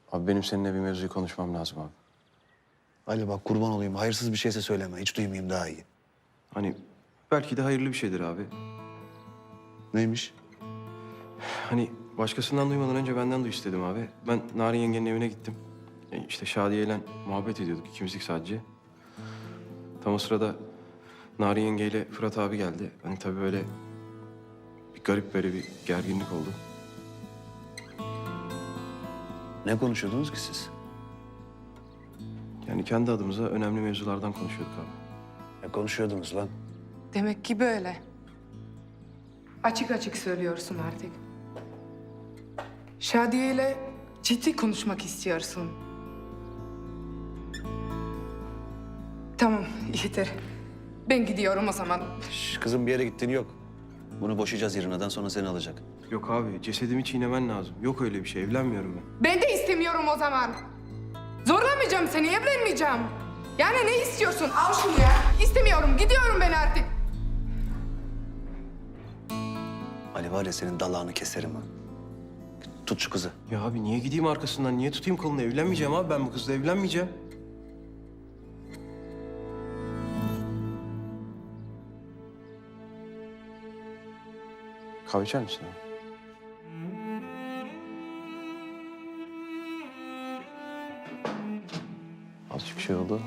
Abi benim seninle bir mevzuyu konuşmam lazım abi. Ali bak kurban olayım. Hayırsız bir şeyse söyleme. Hiç duymayayım daha iyi. Hani belki de hayırlı bir şeydir abi. Neymiş? Hani başkasından duymadan önce benden duy istedim abi. Ben Narin yengenin evine gittim. İşte Şadiye'yle muhabbet ediyorduk ikimizlik sadece. Tam o sırada Narin yengeyle Fırat abi geldi. Hani tabii böyle bir garip böyle bir gerginlik oldu. Ne konuşuyordunuz ki siz? Yani kendi adımıza önemli mevzulardan konuşuyorduk abi. Ne konuşuyordunuz lan? Demek ki böyle. Açık açık söylüyorsun artık. Şadiye ile ciddi konuşmak istiyorsun. Tamam, yeter. Ben gidiyorum o zaman. Şş, kızım bir yere gittiğin yok. Bunu boşayacağız yarınadan sonra seni alacak. Yok abi cesedimi çiğnemen lazım. Yok öyle bir şey evlenmiyorum ben. Ben de istemiyorum o zaman. Zorlamayacağım seni, evlenmeyeceğim. Yani ne istiyorsun? Al şunu ya. İstemiyorum, gidiyorum ben artık. Ali var ya senin dalağını keserim ha. Tut şu kızı. Ya abi niye gideyim arkasından? Niye tutayım kolunu? Evlenmeyeceğim abi. Ben bu kızla evlenmeyeceğim. Kahve içer misin abi? Azıcık şey oldu.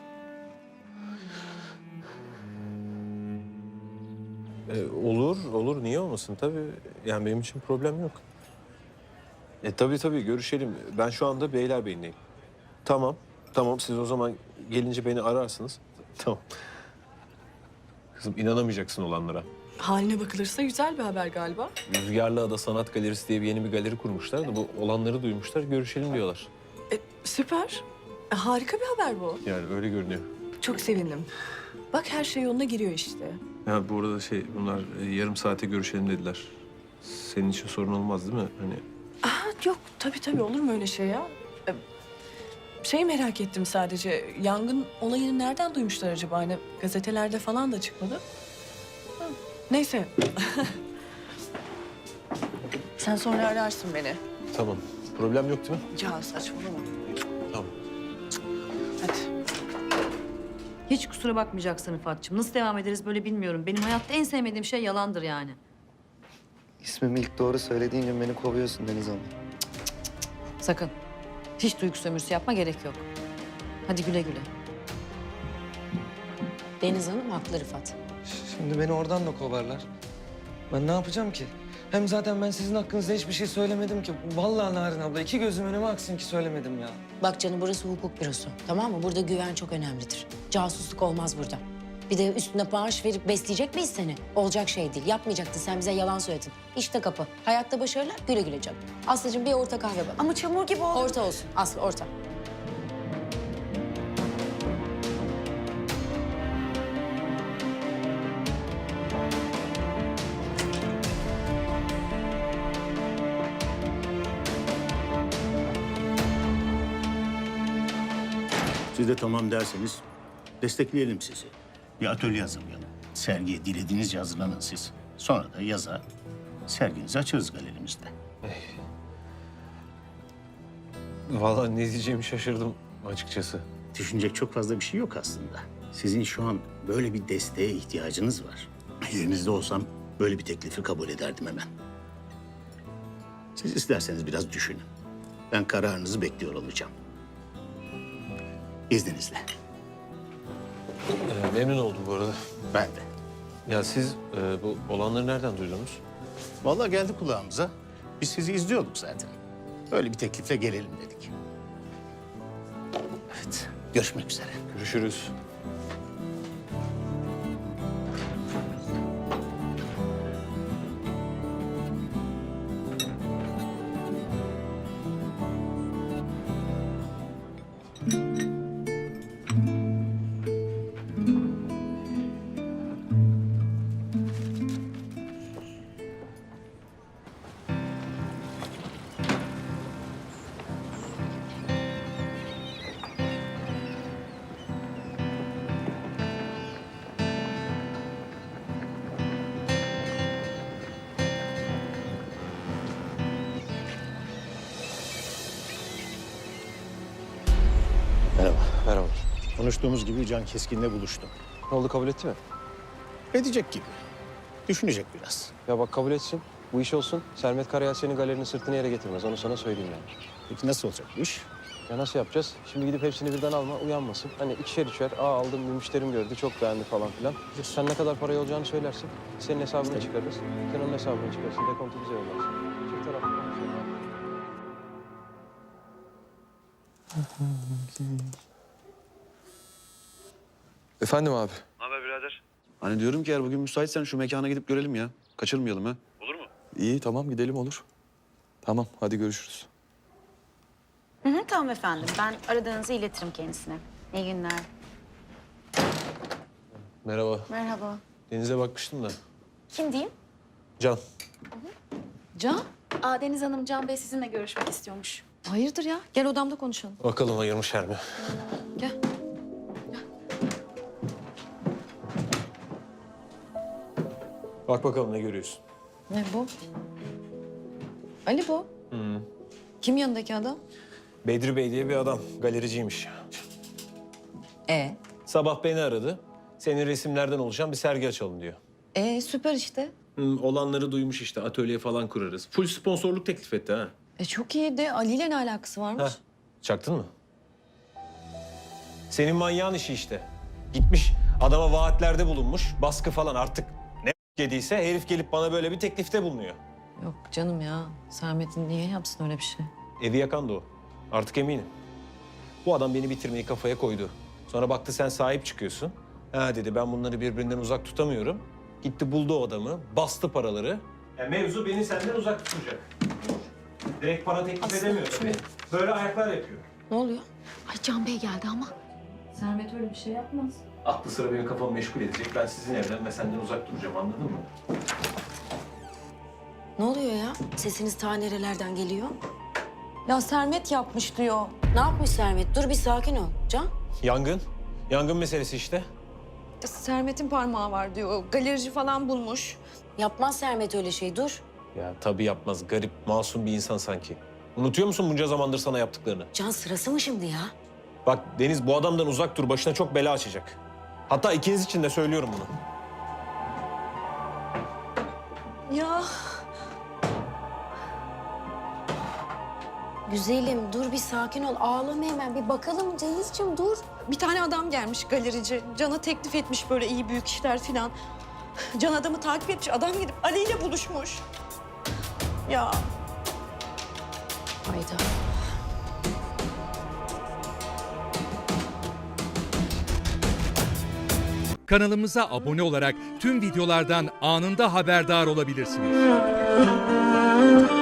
Olur. Niye olmasın? Tabii. Yani benim için problem yok. Tabii görüşelim. Ben şu anda Beylerbeyi'ndeyim. Tamam. Siz o zaman gelince beni ararsınız. Tamam. Kızım inanamayacaksın olanlara. Haline bakılırsa güzel bir haber galiba. Rüzgarlı Ada Sanat Galerisi diye yeni bir galeri kurmuşlar da bu olanları duymuşlar, görüşelim diyorlar. Süper. Harika bir haber bu. Yani öyle görünüyor. Çok sevindim. Bak her şey yoluna giriyor işte. Ya bu arada bunlar yarım saate görüşelim dediler. Senin için sorun olmaz değil mi? Hani Yok tabii olur mu öyle şey ya? Merak ettim sadece. Yangın olayını nereden duymuşlar acaba? Hani gazetelerde falan da çıkmadı. Neyse. Sen sonra ararsın beni. tamam. Problem yok değil mi? Ya saçmalama. Tamam. Hadi. Hiç kusura bakmayacaksın Rıfat'cığım. Nasıl devam ederiz böyle bilmiyorum. Benim hayatta en sevmediğim şey yalandır yani. İsmimi ilk doğru söylediğin gün beni kovuyorsun Deniz Hanım. Sakın. Hiç duygu sömürüsü yapma, gerek yok. Hadi güle güle. Deniz Hanım haklı Rıfat. Şimdi beni oradan da kovarlar. Ben ne yapacağım ki? Hem zaten ben sizin hakkınızda hiçbir şey söylemedim ki. Vallahi Narin abla iki gözüm önüme aksın ki söylemedim ya. Bak canım burası hukuk bürosu. Tamam mı? Burada güven çok önemlidir. Casusluk olmaz burada. Bir de üstüne maaş verip besleyecek miyiz seni? Olacak şey değil. Yapmayacaktın. Sen bize yalan söyledin. İşte kapı. Hayatta başarılar. Güle güle canım. Aslıcığım bir orta kahve bak. Ama çamur gibi oldu. Orta olsun. Aslı orta. Siz de tamam derseniz destekleyelim sizi. Bir atölye hazırlayalım. Sergiye dilediğinizce hazırlanın siz. Sonra da yaza serginizi açarız galerimizde. Vallahi ne diyeceğimi şaşırdım açıkçası. Düşünecek çok fazla bir şey yok aslında. Sizin şu an böyle bir desteğe ihtiyacınız var. Yerinizde olsam böyle bir teklifi kabul ederdim hemen. Siz isterseniz biraz düşünün. Ben kararınızı bekliyor olacağım. İzninizle. Memnun oldum bu arada. Ben de. Ya siz bu olanları nereden duydunuz? Vallahi geldi kulağımıza. Biz sizi izliyorduk zaten. Böyle bir teklifle gelelim dedik. Evet, görüşmek üzere. Görüşürüz. Konuştuğumuz gibi Can Keskin'le buluştum. Ne oldu, kabul etti mi? Edecek gibi. Düşünecek biraz. Ya bak, kabul etsin. Bu iş olsun. Sermet Karayel senin galerinin sırtını yere getirmez. Onu sana söyleyeyim yani. Peki nasıl olacak bu iş? Ya nasıl yapacağız? Şimdi gidip hepsini birden alma, uyanmasın. Hani ikişer üçer, aldım, bir müşterim gördü, çok beğendi falan filan. Sen ne kadar parayı olacağını söylersin. Senin hesabını çıkarırız. Sen onun hesabını çıkarsın, dekontu bize yollarsın. Çift taraflı konuşalım abi. Efendim abi. Hani diyorum ki eğer bugün müsaitsen şu mekana gidip görelim ya. Kaçırmayalım ha. İyi tamam gidelim olur. Tamam hadi görüşürüz. Tamam efendim. Ben aradığınızı iletirim kendisine. İyi günler. Merhaba. Merhaba. Deniz'e bakmıştım da. Kim diyeyim? Can. Can? Deniz Hanım, Can Bey sizinle görüşmek istiyormuş. Hayırdır ya? Gel odamda konuşalım. Bakalım ayırmışlar mı? Gel. Bak bakalım ne görüyorsun. Ne bu? Ali bu. Kim yanındaki adam? Bedri Bey diye bir adam. Galericiymiş. Sabah beni aradı. Senin resimlerden oluşan bir sergi açalım diyor. Süper işte. Olanları duymuş işte. Atölye falan kurarız. Full sponsorluk teklif etti ha. Çok iyi de Ali ile ne alakası varmış? Heh, çaktın mı? Senin manyağın işi işte. Gitmiş adama vaatlerde bulunmuş. Baskı falan artık ne yediyse herif gelip bana böyle bir teklifte bulunuyor. Yok canım ya. Sermet'in niye yapsın öyle bir şey? Evi yakan da o. Artık eminim. Bu adam beni bitirmeyi kafaya koydu. Sonra baktı sen sahip çıkıyorsun. Ha dedi ben bunları birbirinden uzak tutamıyorum. Gitti buldu o adamı, bastı paraları. Mevzu beni senden uzak tutacak. Direkt para teklif edemiyor tabii. Böyle ayaklar yapıyor. Ne oluyor? Ay Can Bey geldi ama. Sermet öyle bir şey yapmaz. Aklı sıra benim kafamı meşgul edecek. Ben sizin evden ve senden uzak duracağım anladın mı? Ne oluyor ya? Sesiniz ta nerelerden geliyor? Ya Sermet yapmış diyor. Ne yapmış Sermet? Dur bir sakin ol. Can? Yangın. Yangın meselesi işte. Sermet'in parmağı var diyor. Galerici falan bulmuş. Yapmaz Sermet öyle şey. Dur. Ya tabii yapmaz. Garip, masum bir insan sanki. Unutuyor musun bunca zamandır sana yaptıklarını? Can sırası mı şimdi ya? Bak Deniz bu adamdan uzak dur. Başına çok bela açacak. Hatta ikiniz için de söylüyorum bunu. Ya Güzelim dur bir sakin ol. Ağlama hemen. Bir bakalım Denizciğim dur. bir tane adam gelmiş galerici. Can'a teklif etmiş böyle iyi büyük işler filan. Can adamı takip etmiş. Adam gidip Ali ile buluşmuş. Ya Hayda. Kanalımıza abone olarak tüm videolardan anında haberdar olabilirsiniz.